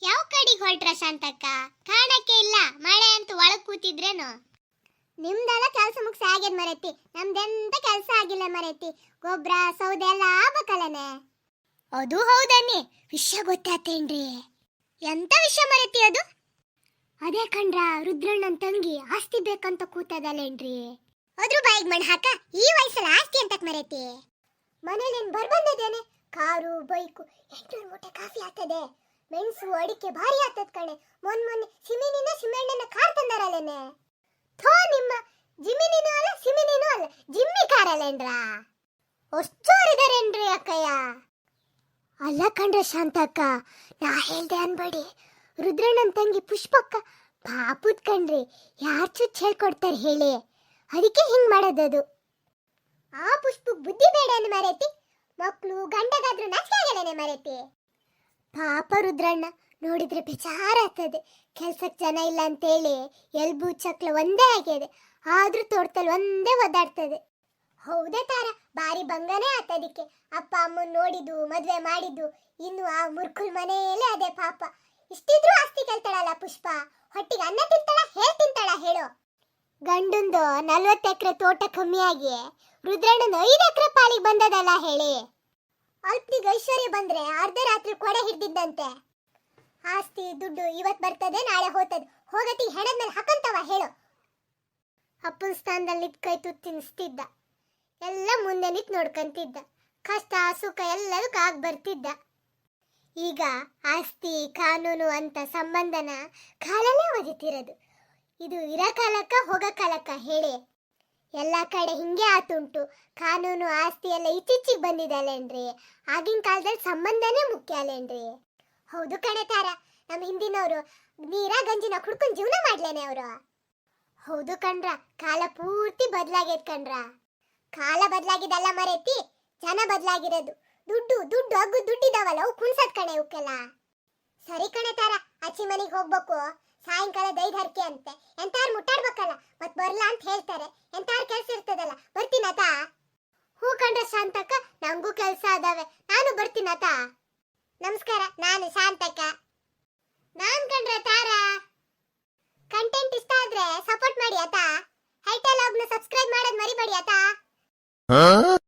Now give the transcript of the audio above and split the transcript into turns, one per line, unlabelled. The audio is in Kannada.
ಯಾವ ಕಡೆಗೆ ಹೊರಟ್ರ ಶಾಂತಕ್ಕ? ಕಾಣಕ್ಕೆ ಇಲ್ಲ. ಮಳೆ ಅಂತೂ ಒಳಗ್ ಕೂತಿದ್ರೇನು? ನಿಮ್ದೆಲ್ಲ ಕೆಲಸ ಮುಗಿಸಿ ಆಗ್ಯದ ಮರೈತಿ, ನಮ್ದೆಂತ ಕೆಲಸ ಆಗಿಲ್ಲ ಮರೈತಿ. ಗೊಬ್ಬರ ಸೌದೆ ಎಲ್ಲ ಆಗ್ಬೇಕಲ್ಲನೆ. ಅದು ಹೌದನ್ನಿ. ವಿಷಯ ಗೊತ್ತಾತೇನ್ರಿ? ಎಂತ ವಿಷಯ ಮರೈತಿ ಅದು? ಅದೇ ಕಂಡ್ರ, ರುದ್ರಣ್ಣನ್ ತಂಗಿ ಆಸ್ತಿ ಬೇಕಂತ ಕೂತದಲ್ಲೇನ್ರಿ. ಅದ್ರ ಬಾಯಿಗೆ ಮಣ್ಣು ಹಾಕ. ಈ ವಯಸ್ಸಲ್ಲಿ ಆಸ್ತಿ ಅಂತಕ್ ಮರೈತಿ? ಮನೇಲೇನ್ ಬರ್ಬಂದಿದ್ದೇನೆ. ಕಾರು ಬೈಕು 800 ಮೂಟೆ ಕಾಫಿ ಆಗ್ತದೆ. ಮೆಣಸು ಅಡಿಕೆ ಭಾರಿ ಆಗ್ತದ ಕಣೆ. ಮೊನ್ನೆ ಸಿಮಿನಿನ ಸಿಮೆಣ್ಣನ ಕಾರ್ ತಂದಾರಲ್ಲೇನೆ. ಥೋ ನಿಮ್ಮ ಜಿಮಿನಿನೂ ಅಲ್ಲ ಸಿಮಿನಿನೂ ಅಲ್ಲ, ಜಿಮ್ಮಿ ಕಾರ್ ಅಲ್ಲೇನ್ರ? ಅಷ್ಟೋರಿದಾರೇನ್ರಿ ಅಕ್ಕಯ್ಯ? ಅಲ್ಲ ಕಂಡ್ರೆ ಶಾಂತಕ್ಕ, ನಾ ಹೇಳ್ದೆ ಅನ್ಬೇಡಿ. ರುದ್ರಣ್ಣನ ತಂಗಿ ಪುಷ್ಪಕ್ಕ ಪಾಪುದ್ ಕಣ್ರಿ. ಯಾರು ಚುಚ್ಚ ಹೇಳ್ಕೊಡ್ತಾರೆ ಹೇಳಿ? ಅದಕ್ಕೆ ಹಿಂಗ್ ಮಾಡೋದದು. ಆ ಪುಷ್ಪಕ್ ಬುದ್ಧಿ ಬೇಡ ಅಂದ್ ಮರೈತಿ. ಮಕ್ಕಳು ಗಂಡಗಾದ್ರೂ ನಾಚಿಕೆ ಆಗಲೇನೆ ಮರೈತಿ. ಪಾಪ ರುದ್ರಣ್ಣ ನೋಡಿದ್ರೆ ಬೇಜಾರ ಆಗ್ತದೆ. ಕೆಲ್ಸಕ್ಕೆ ಜನ ಇಲ್ಲ ಅಂತೇಳಿ ಎಲ್ಬು ಚಕ್ಲ ಒಂದೇ ಆಗ್ಯದೆ. ಆದ್ರೂ ತೋಟದಲ್ಲಿ ಒಂದೇ ಒದ್ದಾಡ್ತದೆ. ಹೌದೇ ತಾರ, ಬಾರಿ ಬಂಗನೇ ಆತದಿಕ್ಕೆ. ಅಪ್ಪ ಅಮ್ಮನ್ ನೋಡಿದ್ದು, ಮದ್ವೆ ಮಾಡಿದ್ದು, ಇನ್ನು ಆ ಮುರ್ಕುಲ್ ಮನೆಯಲ್ಲೇ ಅದೇ ಪಾಪ. ಇಷ್ಟಿದ್ರೂ ಆಸ್ತಿ ಕೇಳ್ತಾಳಲ್ಲ ಪುಷ್ಪ. ಹೊಟ್ಟಿಗೆ ಅನ್ನ ತಿಂತಾಳ, ತಿಂತಾಳ ಹೇಳು? ಗಂಡಂದು 40 ಎಕರೆ ತೋಟ ಕಮ್ಮಿಯಾಗಿ ರುದ್ರಣ್ಣನ 5 ಎಕರೆ ಪಾಲಿಗೆ ಬಂದದಲ್ಲ ಹೇಳಿ? ಅಲ್ಪನಿಗೆ ಐಶ್ವರ್ಯ ಬಂದ್ರೆ ಅರ್ಧ ರಾತ್ರಿ ಕೊಡೆ ಹಿಡ್ದಿದ್ದಂತೆ. ಆಸ್ತಿ ದುಡ್ಡು ಇವತ್ ಬರ್ತದೆ, ನಾಳೆ ಹೋಗ್ತದೆ. ಹೋಗತಿ ಹೆಣದ ಮೇಲೆ ಹಾಕಂತವ ಹೇಳು? ಅಪ್ಪನ ಸ್ಥಾನದಲ್ಲಿ ನಿಂತ್ ಕೈ ತುತ್ತು ತಿನ್ನಿಸ್ತಿದ್ದ. ಎಲ್ಲ ಮುಂದೆ ನಿಂತು ನೋಡ್ಕಂತಿದ್ದ. ಕಷ್ಟ ಸುಖ ಎಲ್ಲದಕ್ಕೂ ಆಗ್ ಬರ್ತಿದ್ದ. ಈಗ ಆಸ್ತಿ ಕಾನೂನು ಅಂತ ಸಂಬಂಧನ ಕಾಲಲ್ಲೇ ಒದಿತಿರೋದು. ಇದು ಇರೋ ಕಾಲಕ್ಕ ಹೋಗೋ ಕಾಲಕ್ಕ ಹೇಳಿ? ಎಲ್ಲ ಕಡೆ ಹಿಂಗೆ ಆತುಂಟು. ಕಾನೂನು ಆಸ್ತಿ ಎಲ್ಲ ಇತ್ತೀಚಿಗೆ ಬಂದಿದಲ್ಲೇನ್ರಿ? ಆಗಿನ ಕಾಲದಲ್ಲಿ ಸಂಬಂಧನೇ ಮುಖ್ಯ ಅಲ್ಲೇನ್ರಿ? ಹೌದು ಕಣೆ ತಾರ, ನಮ್ಮ ಹಿಂದಿನವರು ನೀರ ಗಂಜಿನ ಕುಡ್ಕೊಂಡು ಜೀವನ ಮಾಡ್ಲೇನೆ ಅವರು. ಹೌದು ಕಣ್ರ, ಕಾಲ ಪೂರ್ತಿ ಬದಲಾಗೈತ್ ಕಣ್ರ. ಕಾಲ ಬದಲಾಗಿದಲ್ಲ ಮರೈತಿ, ಜನ ಬದಲಾಗಿರೋದು. ದುಡ್ಡು ದುಡ್ಡು ಅಗ್ಗು ದುಡ್ಡಿದಾವಲ್ಲ, ಅವು ಕುಣ್ಸದ್ ಕಣೆ ಅವಕ್ಕೆಲ್ಲ. ಸರಿ ಕಣೆ ತಾರ, ಅಚ್ಚಿ ಮನೆಗೆ ಹೋಗ್ಬೇಕು. ಸಾಯಂಕಾಲ ದೈದರ್ಕೆ ಅಂತೆ. ಎಂತಾರು ಮುಟ್ಟಾಡ್ಬೇಕಲ್ಲ, ಮತ್ ಬರ್ಲಾ ಅಂತ ಹೇಳ್ತಾರೆ. ಎಂತಾರು ಕೆಲ್ಸ ಇರ್ತದಲ್ಲ, ಬರ್ತೀನತ? ಹೂ ಕಂಡ್ರೆ ಶಾಂತಕ್ಕ, ನಂಗೂ ಕೆಲ್ಸ ಅದಾವೆ, ನಾನು ಬರ್ತೀನತ. ನಮಸ್ಕಾರ, ನಾನು ಶಾಂತಕ್ಕ. ನಾನ್ ಕಂಡ್ರೆ ತಾರ. ಕಂಟೆಂಟ್ ಇಷ್ಟ ಆದ್ರೆ ಸಪೋರ್ಟ್ ಮಾಡಿ ಆತ. ಹೈಟೆಲ್ ಲಾಗ್ನ ಸಬ್ಸ್ಕ್ರೈಬ್ ಮಾಡೋದ್ ಮರಿಬೇಡಿ ಆತ.